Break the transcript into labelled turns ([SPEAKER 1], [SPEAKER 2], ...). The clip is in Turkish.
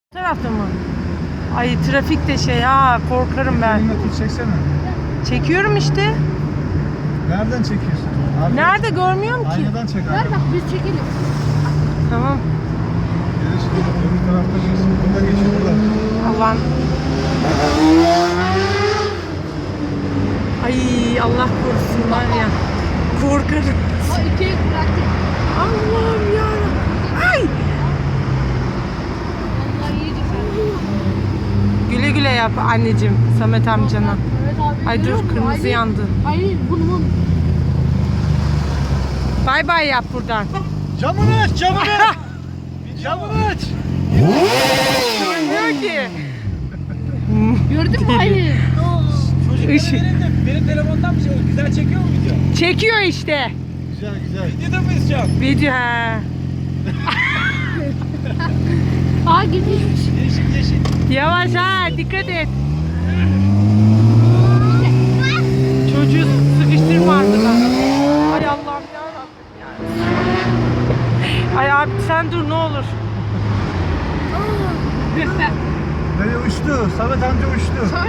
[SPEAKER 1] Bu tarafta mı? Ay trafik de şey ha, korkarım ben.
[SPEAKER 2] Elinle tut çeksene.
[SPEAKER 1] Çekiyorum işte.
[SPEAKER 2] Nereden çekiyorsun? Abi,
[SPEAKER 1] Nerede görmüyorum ki.
[SPEAKER 2] aynadan çek abi.
[SPEAKER 3] Ver bak biz çekelim.
[SPEAKER 1] Tamam.
[SPEAKER 2] Geri şimdi öbür tarafta geçsin. Burada geçin buradan.
[SPEAKER 1] Allah'ım. Ay Allah korusun var ya. Korkarım.
[SPEAKER 3] Ha ikiye bıraktık.
[SPEAKER 1] Allah'ım ya. Ay.
[SPEAKER 3] Allah iyidir.
[SPEAKER 1] Güle güle yap anneciğim Samet amcana.
[SPEAKER 3] Evet abi.
[SPEAKER 1] Ay
[SPEAKER 3] görüyor
[SPEAKER 1] dur
[SPEAKER 3] musun?
[SPEAKER 1] kırmızı
[SPEAKER 3] Hayır.
[SPEAKER 1] yandı.
[SPEAKER 3] Hayır bunu.
[SPEAKER 1] Bay bay yap buradan.
[SPEAKER 2] Camını aç, camını! Camını aç!
[SPEAKER 1] Görmüyor ki.
[SPEAKER 3] Gördün mü? Hayır.
[SPEAKER 4] Çocuklara
[SPEAKER 1] Işık.
[SPEAKER 4] verin de benim telefondan bir şey olur. Güzel çekiyor mu video?
[SPEAKER 1] Çekiyor işte.
[SPEAKER 2] Güzel güzel.
[SPEAKER 4] Videoda mıyız şu an?
[SPEAKER 1] Video ha.
[SPEAKER 3] Aa gitmiş.
[SPEAKER 4] Yeşil yeşil.
[SPEAKER 1] Yavaş ha, dikkat et. Çocuğu sıkıştırma arkadan. Ay Allah'ım yarabbim ya. Ay abi sen dur ne olur.
[SPEAKER 2] Nereye uçtu? Samet amca uçtu.